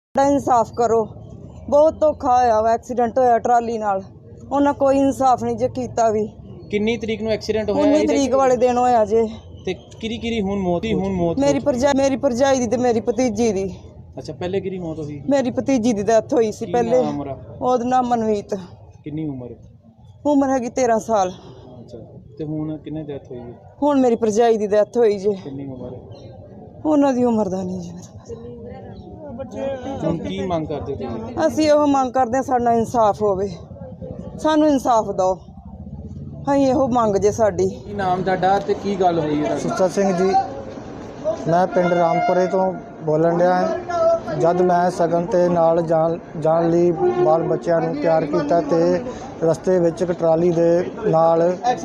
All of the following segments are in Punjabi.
इंसाफ करो। बहुत धोखा होया वा, एक्सीडेंट होया ट्राली नाल, उन्हें कोई इंसाफ नहीं जे कीता भी। किन्नी तरीक नूं एक्सीडेंट होया? 19 तरीक वाले दिन होया जे। ते किरी हुण मौत मेरी भरजाई दी ते मेरी भतीजी दी। अच्छा, पहले किरी मौत हुई? मेरी भतीजी दी डेथ हुई सी पहले। ओदा नाम मनमीत। किन्नी उम्र हैगी 13 साल। अच्छा, ते हुण किन्ने डेथ हुई? हुण मेरी भरजाई दी डेथ हुई जे। किन्नी उम्र है? उन्हां दी उम्र दा नहीं जी। हुण की मंग करदे तुसीं? ਅਸੀਂ ਇਹੋ ਮੰਗ ਕਰਦੇ ਹਾਂ ਸਾਡਾ ਇਨਸਾਫ ਹੋਵੇ, ਸਾਨੂੰ ਇਨਸਾਫ ਦਿਓ, ਅਸੀਂ ਇਹੋ ਮੰਗ ਜੇ ਸਾਡੀ। ਕੀ ਨਾਮ ਤੁਹਾਡਾ ਤੇ ਕੀ ਗੱਲ ਹੋਈ ਹੈ? ਸੁੱਚਾ ਸਿੰਘ ਜੀ, ਮੈਂ ਪਿੰਡ ਰਾਮਪੁਰੇ ਤੋਂ ਬੋਲਣ ਡਿਆ ਹਾਂ। ਜਦ ਮੈਂ ਸਗਨ ਤੇ ਨਾਲ ਜਾਣ ਲਈ ਬਾਲ ਬੱਚਿਆਂ ਨੂੰ ਤਿਆਰ ਕੀਤਾ ਤੇ ਰਸਤੇ ਵਿੱਚ ਇੱਕ ਟਰਾਲੀ ਦੇ ਨਾਲ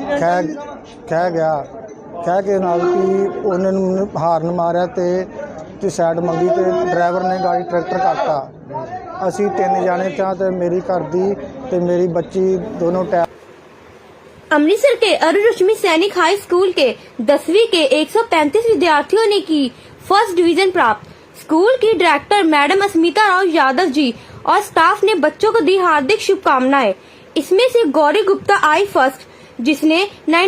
ਖਹਿ ਕੇ ਨਾਲ ਕਿ ਉਹਨਾਂ ਨੂੰ ਹਾਰਨ ਮਾਰਿਆ ਤੇ ਸਾਈਡ ਮੰਗੀ ਤੇ ਡਰਾਈਵਰ ਨੇ ਗਾੜੀ ਟਰੈਕਟਰ ਕੱਟਤਾ। ਅਸੀਂ 3 ਜਾਣੇ ਤਾਂ ਤੇ ਮੇਰੀ ਘਰ ਦੀ ਤੇ ਮੇਰੀ ਬੱਚੀ ਦੋਨੋਂ अमृतसर के अरुण रश्मि सैनिक हाई स्कूल के 10वीं के 135 विद्यार्थियों ने की फर्स्ट डिवीजन प्राप्त। स्कूल की डायरेक्टर मैडम अस्मिता राव यादव जी और स्टाफ ने बच्चों को दी हार्दिक शुभकामनाएं। इसमें से गौरी गुप्ता आई फर्स्ट, जिसने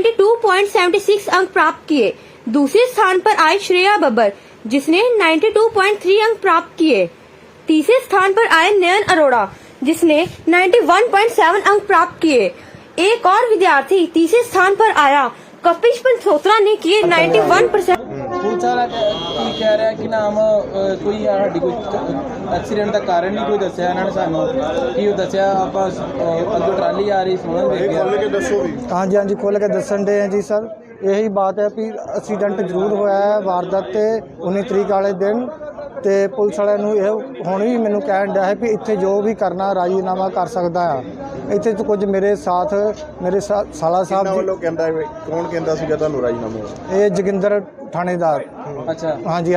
92.76 अंक प्राप्त किए। दूसरे स्थान पर आई श्रेया बब्बर, जिसने 92.3 अंक प्राप्त किए। तीसरे स्थान पर आए नयन अरोड़ा, जिसने 91.7 अंक प्राप्त किए। एक और विद्यार्थी तीसरे स्थान पर आया, कपिश पंचोत्रा ने किए 91%। पुलिस वाला की कह रहा है कि नाम कोई साडी कोई एक्सीडेंट का कारण नहीं कोई दस्या इन्होंने सानू की दस्या आप अगो ट्राली आ रही सोहन देख गया। हाँ जी खोल के दसन डे हैं जी सर। यही बात है भी एक्सीडेंट जरूर होया है वारदात ते 19 तरीक वाले दिन ਤੇ ਪੁਲਿਸ ਵਾਲਿਆਂ ਨੂੰ ਇਹ ਹੁਣ ਵੀ ਮੈਨੂੰ ਕਹਿਣ ਡਿਆ ਹੈ ਵੀ ਇੱਥੇ ਜੋ ਵੀ ਕਰਨਾ ਰਾਜੀਨਾਮਾ ਕਰ ਸਕਦਾ ਆ। ਇੱਥੇ ਤੋਂ ਕੁਝ ਮੇਰੇ ਸਾਥ ਮੇਰੇ ਸਾਲਾ ਸਾਹਿਬ ਜੀ ਵੱਲੋਂ ਕਹਿੰਦਾ ਕੌਣ ਕਹਿੰਦਾ ਸੀਗਾ ਤੁਹਾਨੂੰ ਰਾਜੀਨਾਮਾ? ਇਹ ਜੋਗਿੰਦਰ ਥਾਣੇਦਾਰ। ਅੱਛਾ, ਹਾਂਜੀ।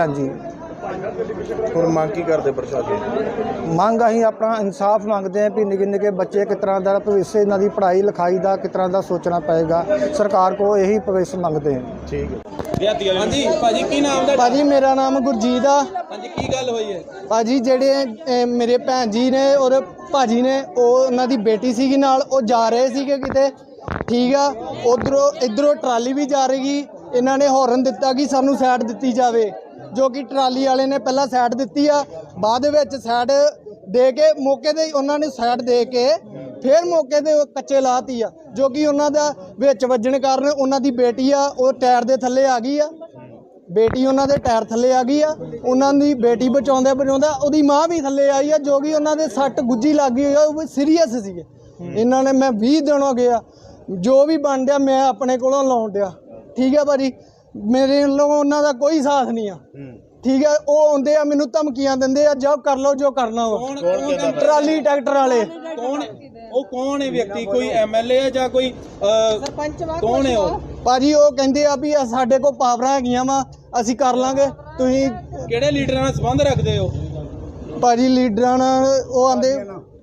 ਹੁਣ ਮੰਗ ਕੀ ਕਰਦੇ ਪ੍ਰਸ਼ਾਸਨ? ਮੰਗ ਅਸੀਂ ਆਪਣਾ ਇਨਸਾਫ ਮੰਗਦੇ ਹਾਂ ਵੀ ਨਿੱਕੇ ਬੱਚੇ ਕਿਸ ਤਰ੍ਹਾਂ ਦਾ ਭਵਿੱਖ ਇਹਨਾਂ ਦੀ ਪੜ੍ਹਾਈ ਲਿਖਾਈ ਦਾ ਕਿਸ ਤਰ੍ਹਾਂ ਦਾ ਸੋਚਣਾ ਪਏਗਾ। ਸਰਕਾਰ ਕੋਲ ਇਹੀ ਭਵਿੱਖ ਮੰਗਦੇ ਹਾਂ। ਠੀਕ ਹੈ। ਹਾਂਜੀ ਭਾਜੀ, ਕੀ ਨਾਮ ਦਾ? ਭਾਜੀ ਮੇਰਾ ਨਾਮ ਗੁਰਜੀਤ ਆ। ਹਾਂਜੀ, ਕੀ ਗੱਲ ਹੋਈ ਹੈ? ਭਾਜੀ ਜਿਹੜੇ ਮੇਰੇ ਭੈਣ ਜੀ ਨੇ ਔਰ ਭਾਜੀ ਨੇ, ਉਹ ਉਹਨਾਂ ਦੀ ਬੇਟੀ ਸੀਗੀ ਨਾਲ, ਉਹ ਜਾ ਰਹੇ ਸੀਗੇ ਕਿਤੇ, ਠੀਕ ਆ। ਇਧਰੋਂ ਟਰਾਲੀ ਵੀ ਜਾ ਰਹੀ। ਇਹਨਾਂ ਨੇ ਹੌਰਨ ਦਿੱਤਾ ਕਿ ਸਾਨੂੰ ਸਾਈਡ ਦਿੱਤੀ ਜਾਵੇ, ਜੋ ਕਿ ਟਰਾਲੀ ਵਾਲੇ ਨੇ ਪਹਿਲਾਂ ਸਾਈਡ ਦਿੱਤੀ ਆ, ਬਾਅਦ ਵਿੱਚ ਸਾਈਡ ਦੇ ਕੇ ਮੌਕੇ ਤੇ ਉਹਨਾਂ ਨੇ ਸਾਈਡ ਦੇ ਕੇ ਫਿਰ ਮੌਕੇ ਤੇ ਕੱਚੇ ਲਾਤੀ ਆ, ਜੋ ਕਿ ਉਹਨਾਂ ਦਾ ਵਿੱਚ ਵੱਜਣ ਕਾਰਨ ਉਹਨਾਂ ਦੀ ਬੇਟੀ ਆ ਉਹ ਟਾਇਰ ਦੇ ਥੱਲੇ ਆ ਗਈ ਆ। ਬੇਟੀ ਉਹਨਾਂ ਦੇ ਟਾਇਰ ਥੱਲੇ ਆ ਗਈ ਆ। ਉਹਨਾਂ ਦੀ ਬੇਟੀ ਬਚਾਉਂਦਾ ਉਹਦੀ ਮਾਂ ਵੀ ਥੱਲੇ ਆਈ ਆ, ਜੋ ਕਿ ਉਹਨਾਂ ਦੇ ਸੱਟ ਗੁੱਜੀ ਲੱਗ ਗਈ ਆ, ਉਹ ਸੀਰੀਅਸ ਸੀਗੇ। ਇਹਨਾਂ ਨੇ ਮੈਂ 20 ਦਿਨ ਹੋ ਗਿਆ ਜੋ ਵੀ ਬਣ ਡਿਆ ਮੈਂ ਆਪਣੇ ਕੋਲੋਂ ਲਾਉਣ ਡਿਆ, ਠੀਕ ਆ ਭਾਜੀ। ਮੇਰੇ ਵੱਲੋਂ ਉਹਨਾਂ ਦਾ ਕੋਈ ਸਾਥ ਨਹੀਂ ਆ, ਠੀਕ ਹੈ। ਉਹ ਆਉਂਦੇ ਆ ਮੈਨੂੰ ਧਮਕੀਆਂ ਦਿੰਦੇ ਆ, ਜਾਓ ਕਰ ਲਓ ਜੋ ਕਰਨਾ ਵਾ। ਟਰਾਲੀ ਟਰੈਕਟਰ ਵਾਲੇ कौन है व्यक्ति? कोई एमएलए है ਜਾਂ ਕੋਈ ਸਰਪੰਚ? ਕੌਣ ਹੈ ਉਹ ਭਾਜੀ? ਉਹ ਕਹਿੰਦੇ ਆ ਵੀ ਸਾਡੇ ਕੋਲ ਪਾਵਰਾਂ ਹੈਗੀਆਂ ਵਾ, ਅਸੀਂ ਕਰ ਲਾਂਗੇ। ਤੁਸੀਂ ਕਿਹੜੇ ਲੀਡਰਾਂ ਨਾਲ ਸੰਬੰਧ ਰੱਖਦੇ ਹੋ? ਭਾਜੀ ਲੀਡਰਾਂ ਨਾਲ ਉਹ ਆਂਦੇ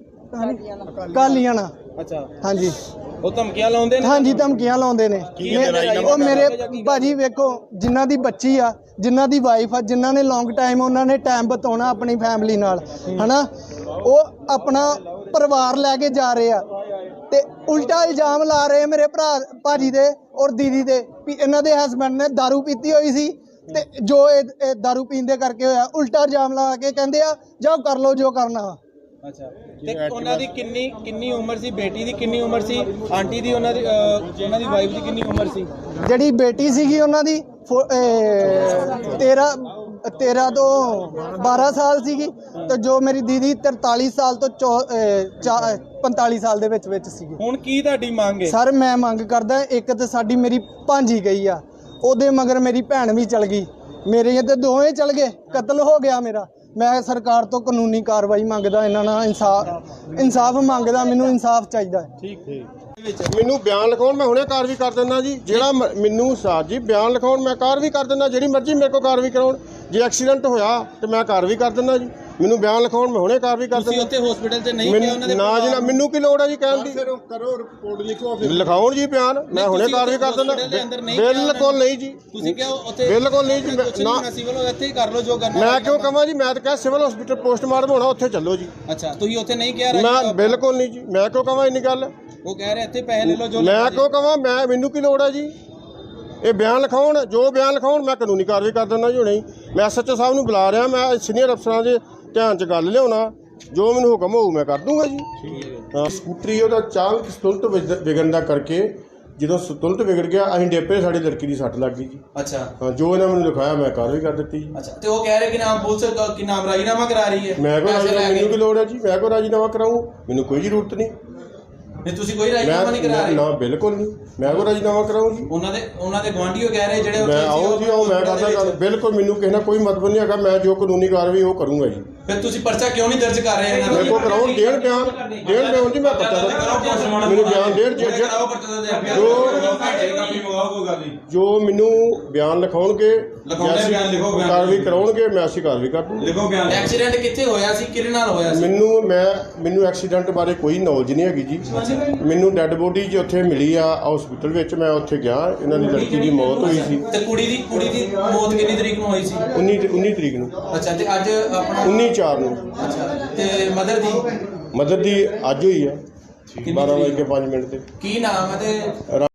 ਕਾਲੀਆਂ ਨਾਲ। ਅੱਛਾ, ਹਾਂਜੀ। ਉਹ ਧਮਕੀਆਂ ਲਾਉਂਦੇ ਨੇ? ਹਾਂਜੀ, ਧਮਕੀਆਂ ਲਾਉਂਦੇ ਨੇ। ਉਹ ਮੇਰੇ ਭਾਜੀ ਵੇਖੋ, ਜਿਨ੍ਹਾਂ ਦੀ ਬੱਚੀ ਆ, ਜਿਨ੍ਹਾਂ ਦੀ ਵਾਈਫ ਆ, ਜਿਨ੍ਹਾਂ ਨੇ ਲੌਂਗ ਟਾਈਮ ਉਹਨਾਂ ਨੇ ਟਾਈਮ ਬਿਤਾਉਣਾ ਆਪਣੀ ਫੈਮਿਲੀ ਨਾਲ, ਹਨਾ, ਉਹ ਆਪਣਾ ਪਰਿਵਾਰ ਲੈ ਕੇ ਜਾ ਰਹੇ ਆ ਤੇ ਉਲਟਾ ਇਲਜ਼ਾਮ ਲਾ ਰਹੇ ਮੇਰੇ ਭਾਜੀ ਦੇ ਔਰ ਦੀਦੀ ਦੇ ਵੀ ਇਹਨਾਂ ਦੇ ਹਸਬੈਂਡ ਨੇ ਦਾਰੂ ਪੀਤੀ ਹੋਈ ਸੀ ਤੇ ਜੋ ਇਹ ਦਾਰੂ ਪੀਣ ਦੇ ਕਰਕੇ ਹੋਇਆ। ਉਲਟਾ ਇਲਜ਼ਾਮ ਲਾ ਕੇ ਕਹਿੰਦੇ ਆ ਜਾਓ ਕਰ ਲਓ ਜੋ ਕਰਨਾ ਵਾ। ਅੱਛਾ, ਤੇ ਉਹਨਾਂ ਦੀ ਕਿੰਨੀ ਉਮਰ ਸੀ? ਬੇਟੀ ਦੀ ਕਿੰਨੀ ਉਮਰ ਸੀ? ਆਂਟੀ ਦੀ ਉਹਨਾਂ ਦੀ ਵਾਈਫ ਦੀ ਕਿੰਨੀ ਉਮਰ ਸੀ? ਜਿਹੜੀ ਬੇਟੀ ਸੀਗੀ ਉਹਨਾਂ ਦੀ 13 ਤੋਂ 12 ਸਾਲ ਸੀਗੀ ਤੇ ਜੋ ਮੇਰੀ ਦੀਦੀ 43 ਸਾਲ ਤੋਂ 45 ਸਾਲ ਦੇ ਵਿੱਚ ਸੀਗੀ। ਹੁਣ ਕੀ ਤੁਹਾਡੀ ਮੰਗ ਹੈ? ਸਰ ਮੈਂ ਮੰਗ ਕਰਦਾ, ਇੱਕ ਤੇ ਸਾਡੀ ਮੇਰੀ ਭਾਂਜੀ ਗਈ ਆ, ਉਹਦੇ ਮਗਰ ਮੇਰੀ ਭੈਣ ਵੀ ਚਲ ਗਈ, ਮੇਰੇ ਤੇ ਦੋਵੇਂ ਚਲ ਗਏ, ਕਤਲ ਹੋ ਗਿਆ ਮੇਰਾ। ਮੈਂ ਸਰਕਾਰ ਤੋਂ ਕਾਨੂੰਨੀ ਕਾਰਵਾਈ ਮੰਗਦਾ, ਇਹਨਾਂ ਨਾਲ ਇਨਸਾਫ ਮੰਗਦਾ, ਮੈਨੂੰ ਇਨਸਾਫ ਚਾਹੀਦਾ ਹੈ। ਠੀਕ। ਮੈਨੂੰ ਬਿਆਨ ਲਿਖਾਉਣ, ਮੈਂ ਹੁਣੇ ਕਾਰਵਾਈ ਕਰ ਦਿੰਦਾ ਜੀ। ਜਿਹੜਾ ਮੈਨੂੰ ਸਾਥ ਜੀ ਬਿਆਨ ਲਿਖਾਉਣ, ਮੈਂ ਕਾਰਵਾਈ ਕਰ ਦਿੰਦਾ, ਜਿਹੜੀ ਮਰਜ਼ੀ ਮੇਰੇ ਕੋਲ ਕਾਰਵਾਈ ਕਰਾਉਣ। ਜੇ ਐਕਸੀਡੈਂਟ ਹੋਇਆ ਤੇ ਮੈਂ ਕਾਰਵਾਈ ਕਰ ਦਿੰਦਾ ਜੀ। ਮੈਨੂੰ ਬਿਆਨ ਲਿਖਾਉਣ, ਮੈਂ ਹੁਣੇ ਕਾਰਵਾਈ ਕਰ ਤੁਸੀਂ ਦਿੰਦਾ। ਉੱਥੇ ਹਸਪੀਟਲ 'ਚ ਨਹੀਂ ਗਿਆ ਉਹਨਾਂ ਦੇ ਨਾ ਜੀ ਨਾ, ਮੈਨੂੰ ਕੀ ਲੋੜ ਹੈ ਜੀ ਕਹਿਣ ਦੀ। ਕਰੋ ਰਿਪੋਰਟ ਲਿਖੋ ਫਿਰ ਲਿਖਾਉਣ ਜੀ ਬਿਆਨ, ਮੈਂ ਹੁਣੇ ਤੁਸੀਂ ਕਾਰਵਾਈ ਕਰ ਦਿੰਦਾ। hospital ਦੇ ਅੰਦਰ ਨਹੀਂ ਗਿਆ ਬਿਲਕੁਲ ਨਹੀਂ ਜੀ, ਤੁਸੀਂ ਕਿਹਾ ਉੱਥੇ ਬਿਲਕੁਲ ਨਹੀਂ ਜੀ, ਕੁਛ ਨਾ। ਨਹੀਂ ਸਿਵਲ ਇੱਥੇ ਹੀ ਕਰ ਲਓ ਜੋ ਕਰਨਾ। ਮੈਂ ਕਿਉਂ ਕਹਾਂ ਜੀ, ਮੈਂ ਤਾਂ ਕਿਹਾ ਸਿਵਲ ਹਸਪੀਟਲ ਪੋਸਟਮਾਰਟਮ ਹੋਣਾ, ਉੱਥੇ ਚੱਲੋ ਜੀ। ਅੱਛਾ ਤੁਸੀਂ ਉੱਥੇ ਨਹੀਂ ਕਿਹਾ ਮੈਂ ਬਿਲਕੁਲ ਨਹੀਂ ਜੀ, ਮੈਂ ਕਿਉਂ ਕਹਾਂ ਇੰਨੀ ਗੱਲ। ਉਹ ਕਹਿ ਰਹੇ ਇੱਥੇ ਪੈਸੇ ਲੈ ਲਓ ਜੋ ਮੈਂ ਕਿਉਂ ਕਹਾਂ, ਮੈਨੂੰ ਕੀ ਲੋੜ ਹੈ ਜੀ। ਇਹ ਬਿਆਨ ਲਿਖਾਉਣ, ਜੋ ਬਿਆਨ ਲਿਖਾਉਣ ਮੈਂ ਕਾਨੂੰਨੀ ਕਾਰਵਾਈ ਕਰ ਦਿੰਦਾ ਜੀ ਹੁਣੇ ਹੀ। ਮੈਂ ਐਸਐਚਓ ਸਾਹਿਬ ਨੂੰ ਬੁਲਾ ਰਿਹਾ, ਮੈਂ ਸੀਨੀਅਰ ਅਫਸਰਾਂ ਦੇ ਧਿਆਨ 'ਚ ਗੱਲ ਲਿਆਉਣਾ, ਜੋ ਮੈਨੂੰ ਹੁਕਮ ਹੋਊ ਮੈਂ ਕਰ ਦੂੰਗਾ ਜੀ। ਹਾਂ, ਸਕੂਟਰੀ ਉਹਦਾ ਅਚਾਨਕ ਸੰਤੁਲਤ ਵਿਗੜਨ ਦਾ ਕਰਕੇ ਜਦੋਂ ਸੰਤੁਲਤ ਵਿਗੜ ਗਿਆ ਅਸੀਂ ਡੇਪੇ, ਸਾਡੀ ਲੜਕੀ ਦੀ ਸੱਟ ਲੱਗ ਗਈ ਜੀ। ਅੱਛਾ ਹਾਂ, ਜੋ ਇਹਨਾਂ ਮੈਨੂੰ ਲਿਖਾਇਆ ਮੈਂ ਕਾਰਵਾਈ ਕਰ ਦਿੱਤੀ ਜੀ। ਅੱਛਾ ਤੇ ਉਹ ਕਹਿ ਰਹੇ ਕਿ ਨਾਮ ਪੁਲਿਸ ਕਿ ਨਾਮ ਰਾਜੀਨਾਮਾ ਕਰਾ ਰਹੀ ਹੈ। ਮੈਂ ਕੋ ਪੈਸੇ ਲੈ ਕੇ। ਮੈਨੂੰ ਕੀ ਲੋੜ ਹੈ ਜੀ, ਮੈਂ ਕੋ ਰਾਜੀਨਾਮਾ ਕਰਾਊਂ, ਮੈਨੂੰ ਕੋਈ ਜ਼ਰੂਰਤ ਨਹੀਂ। ਤੇ ਤੁਸੀਂ ਕੋਈ ਰਾਜੀਨਾਮਾ ਨਹੀਂ ਕਰਾ ਰਹੇ। ਨਾ ਬਿਲਕੁਲ ਨਹੀਂ, ਮੈਂ ਕੋ ਰਾਜੀਨਾਮਾ ਕਰਾਊਂ ਜੀ। ਉਹਨਾਂ ਦੇ ਗੁਆਂਢੀਓ ਕਹਿ ਰਹੇ ਜਿਹੜੇ ਮੈਂ ਆਓ ਜੀ, ਆਓ, ਮੈਂ ਕਰਦਾ ਗੱਲ। ਬਿਲਕੁਲ ਮੈਨੂੰ ਕਿਸੇ ਨਾਲ ਕੋਈ ਮਤਲਬ ਨਹੀਂ ਹੈਗਾ, ਮੈਂ ਜੋ ਕਾਨੂੰਨੀ ਕਾਰਵਾਈ ਉਹ ਕਰੂੰਗਾ ਜੀ। ਫਿਰ ਤੁਸੀਂ ਪਰਚਾ ਕਿਉਂ ਨਹੀਂ ਦਰਜ ਕਰ ਰਹੇ ਇਹਨਾਂ ਮੇਰੇ ਕੋ ਕਰਾਉਣ, ਦੇਣ ਬਿਆਨ ਜੀ, ਮੈਂ ਪਤਾ ਮੈਨੂੰ ਬਿਆਨ ਦੇਣ ਜੋ ਮੈਨੂੰ ਬਿਆਨ ਲਿਖਾਉਣਗੇ, ਕਾਰਵਾਈ ਕਰਾਉਣਗੇ, ਮੈਂ ਅਸੀਂ ਕਾਰਵਾਈ ਕਰ ਦੂੰਗਾ। ਐਕਸੀਡੈਂਟ ਕਿੱਥੇ ਹੋਇਆ ਸੀ, ਕਿਹਦੇ ਨਾਲ ਹੋਇਆ ਸੀ? ਮੈਨੂੰ ਐਕਸੀਡੈਂਟ ਬਾਰੇ ਕੋਈ ਨੌਲੇਜ ਨਹੀਂ ਹੈਗੀ ਜੀ। ਮੈਨੂੰ ਡੈੱਡ ਬੋਡੀ ਜੀ ਉੱਥੇ ਮਿਲੀ ਆ ਹਸਪੀਟਲ ਵਿੱਚ, ਮੈਂ ਉੱਥੇ ਗਿਆ, ਇਹਨਾਂ ਦੀ ਲੜਕੀ ਦੀ ਮੌਤ ਹੋਈ ਸੀ। ਤੇ ਕੁੜੀ ਦੀ ਮੌਤ ਕਿੰਨੀ ਤਰੀਕ ਨੂੰ ਹੋਈ ਸੀ? 19 ਤਰੀਕ ਨੂੰ। ਅੱਛਾ ਤੇ ਅੱਜ ਆਪਣਾ 19/4 ਨੂੰ। ਅੱਛਾ ਤੇ ਮਦਰ ਦੀ ਅੱਜ ਹੋਈ ਆ 12:05 ਤੇ। ਕੀ ਨਾਮ ਹੈ ਤੇ